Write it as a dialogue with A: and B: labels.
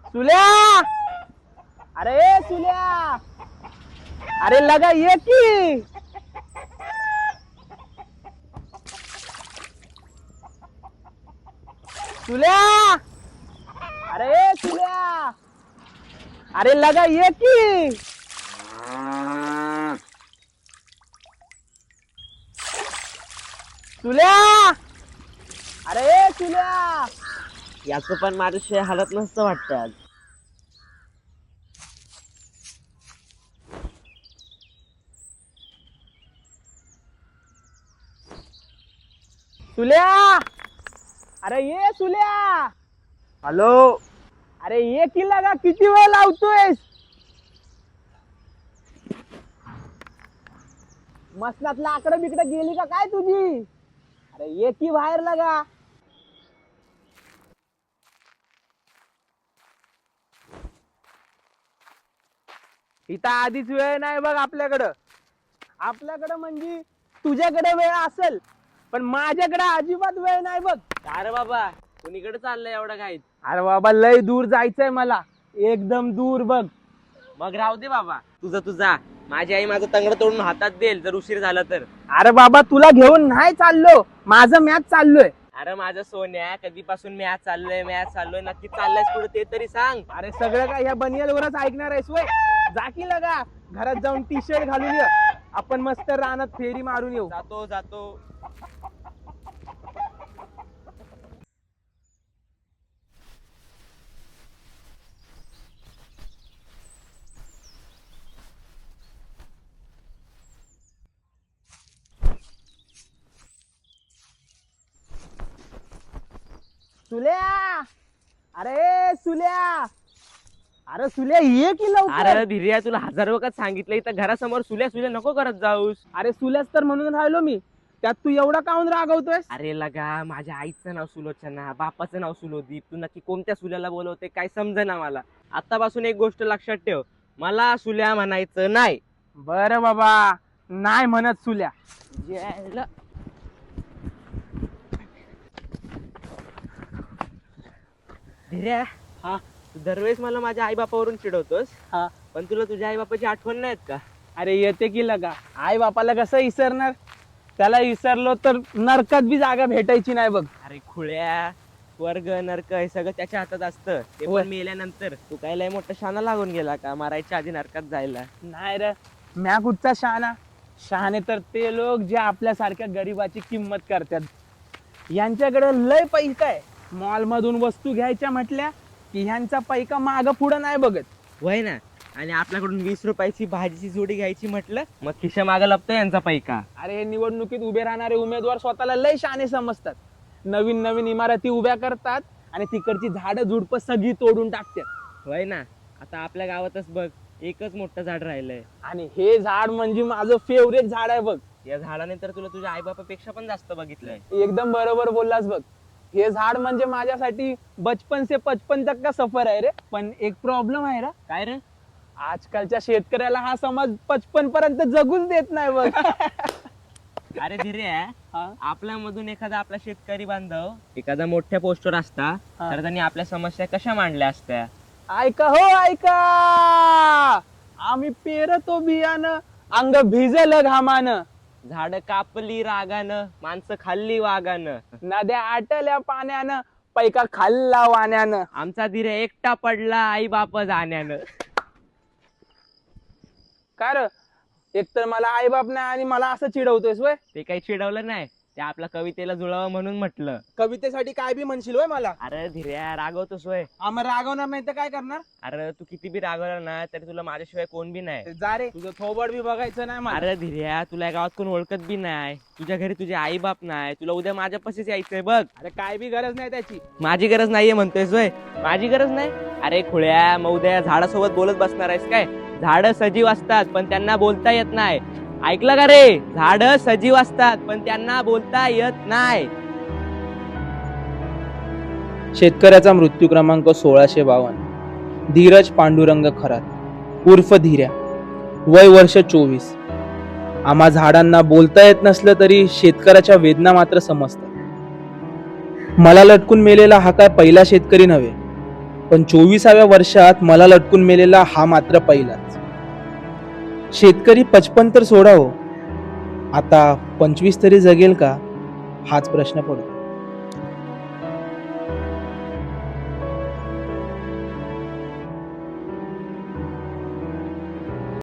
A: सुल्या, अरे सुल्या, अरे लगा ये की. सुल्या, अरे सुल्या, अरे लगा ये की. सुल्या, अरे सुल्या.
B: याचं पण माझ्याशिवाय हालत नसतं वाटतं आज.
A: सुल्या, अरे ये सुल्या.
B: हॅलो.
A: अरे ये की लगा, किती वेळ लावतोयस. मसनात लाकडं बिकडं गेली का काय तुझी. अरे ये की बाहेर लगा. इथं आधीच वेळ नाही बघ आपल्याकडं. आपल्याकडं म्हणजे तुझ्याकडे वेळ असेल, पण माझ्याकडे अजिबात वेळ नाही बघ.
B: अरे बाबा, कुणीकडे चाललंय एवढं काय?
A: अरे बाबा लय दूर जायचंय मला, एकदम दूर बघ.
B: मग राहू दे बाबा, तुझा माझी आई माझं तंगड तोडून हातात देईल जर उशीर झाला तर.
A: अरे बाबा तुला घेऊन नाही चाललो, माझं मॅच चाललोय.
B: अरे माझं सोन्या, कधीपासून मॅच चाललोय नक्की चाललायस पुढे ते तरी सांग.
A: अरे सगळं काय ह्या बनियलवरच ऐकणार आहेस वय. जा की लगा, घरात जाऊन टी शर्ट घालून ये, आपण मस्त रानात फेरी मारून येऊ.
B: जातो.
A: सुल्या, अरे सुल्या, अरे सुल्या ये की लवकर.
B: अरे धीर्या, तुला 1000 वखत सांगितलं इथं घरासमोर सुल्या नको करत जाऊस.
A: अरे सुल्याच तर म्हणून राहिलो मी, त्यात तू एवढा काऊन रागवतोय.
B: अरे लगा, माझ्या आईचं नाव सुलोचना, बापाचं नाव सुलोदीप. तू नक्की कोणत्या सुल्याला बोलवते काय समजेना मला. आतापासून एक गोष्ट लक्षात ठेव, मला सुल्या म्हणायचं नाही.
A: बर बाबा, नाही म्हणत सुल्या.
B: धीर्या,
A: हा
B: तू दरवेळेस मला माझ्या आई बापावरून चिडवतोस,
A: हा.
B: पण तुला तुझ्या आई बापाची आठवण नाहीत का?
A: अरे येते की लगा, आई बापाला कसं विसरणार. त्याला विसरलो तर नरकात बी जागा भेटायची नाही बघ.
B: अरे खुळ्या, स्वर्ग नरक हे सगळं त्याच्या हातात असतं. ते
A: होय.
B: पण मेल्यानंतर तू काय लय मोठा शाना लागून गेला का मारायच्या आधी नरकात जायला?
A: नाही रे, म्या कुठचा शहाणा. शहाणे तर ते लोक जे आपल्यासारख्या गरीबाची किंमत करतात. यांच्याकडे लय पैसा आहे, मॉल मधून वस्तू घ्यायच्या म्हटल्या की ह्यांचा पैका माग पुढं नाही बघत.
B: वय ना. आणि आपल्याकडून 20 रुपयाची भाजीची जोडी घ्यायची म्हटलं मग खिशा मागं लपतो यांचा पैका.
A: अरे हे निवडणुकीत उभे राहणारे उमेदवार स्वतःला लय शहाणे समजतात. नवीन नवीन इमारती उभ्या करतात आणि तिकडची झाडं झुडपं सगळी तोडून टाकतात.
B: वय ना. आता आपल्या गावातच बघ, एकच मोठं झाड राहिलंय.
A: आणि हे झाड म्हणजे माझं फेवरेट झाड आहे बघ.
B: या झाडाने तर तुला तुझ्या आई बापापेक्षा पण जास्त बघितलंय.
A: एकदम बरोबर बोललास बघ. हे झाड म्हणजे माझ्यासाठी बचपन से 55 तक का सफर आहे रे. पण एक प्रॉब्लेम आहे रे.
B: काय रे?
A: आजकालच्या शेतकऱ्याला हा समाज 55 पर्यंत जगूच देत नाही बघ.
B: अरे धीरे,
A: हा?
B: आपल्या मधून एखादा आपला शेतकरी बांधव एखादा मोठ्या पोस्टवर असता
A: हा.
B: तर त्यांनी आपल्या समस्या कशा मांडल्या असत्या?
A: ऐका हो ऐका, आम्ही पेरतो बियाणं, अंग भिजलं घामानं,
B: झाड कापली रागानं, माणसं खाल्ली वागानं,
A: नद्या आटल्या पाण्यानं, पैका खाल्ला वाण्यानं.
B: आमचा धीरे एकटा पडला आई बाप जाण्यानं.
A: काय र, एकतर मला आई बाप नाही आणि मला असं चिडवतोयस वय.
B: ते काही चिडवलं नाही, ते आपल्या कवितेला जुळावं म्हणून म्हटलं.
A: कवितेसाठी काय बी म्हणशील वय मला.
B: अरे धीर्या, रागवतोस वय.
A: आम्हाला रागवणार नाही तर काय करणार.
B: अरे तू किती बी रागवला ना तरी तुला माझ्याशिवाय कोण बी नाही.
A: जा रे, तुझं थोबड बी बघायचं नाही मला.
B: अरे धीर्या, तुला या गावात कोण ओळखत बी नाही, तुझ्या घरी तुझे आई बाप नाही, तुला उद्या माझ्यापाशीच यायचंय बघ.
A: अरे काय बी गरज नाही त्याची.
B: माझी गरज नाहीये म्हणतोयस वय? माझी गरज नाही? अरे खुळ्या, मग उद्या झाडासोबत बोलत बसणार आहेस काय? झाड सजीव असतात पण त्यांना बोलता येत नाही. ऐकलं का रे? झाड सजीव असतात पण त्यांना बोलता येत नाही.
C: शेतकऱ्याचा मृत्यू क्रमांक 1652. धीरज पांडुरंग खरात उर्फ धीर्या, वय वर्ष 24. आम्हा झाडांना बोलता येत नसलं तरी शेतकऱ्याच्या वेदना मात्र समजतात. मला लटकून मेलेला हा काय पहिला शेतकरी नव्हे. पण 24व्या वर्षात मला लटकून मेलेला हा मात्र पहिलाच. शेतकरी 55 तर सोडा हो, आता 25 तरी जगेल का हाच प्रश्न पडतो.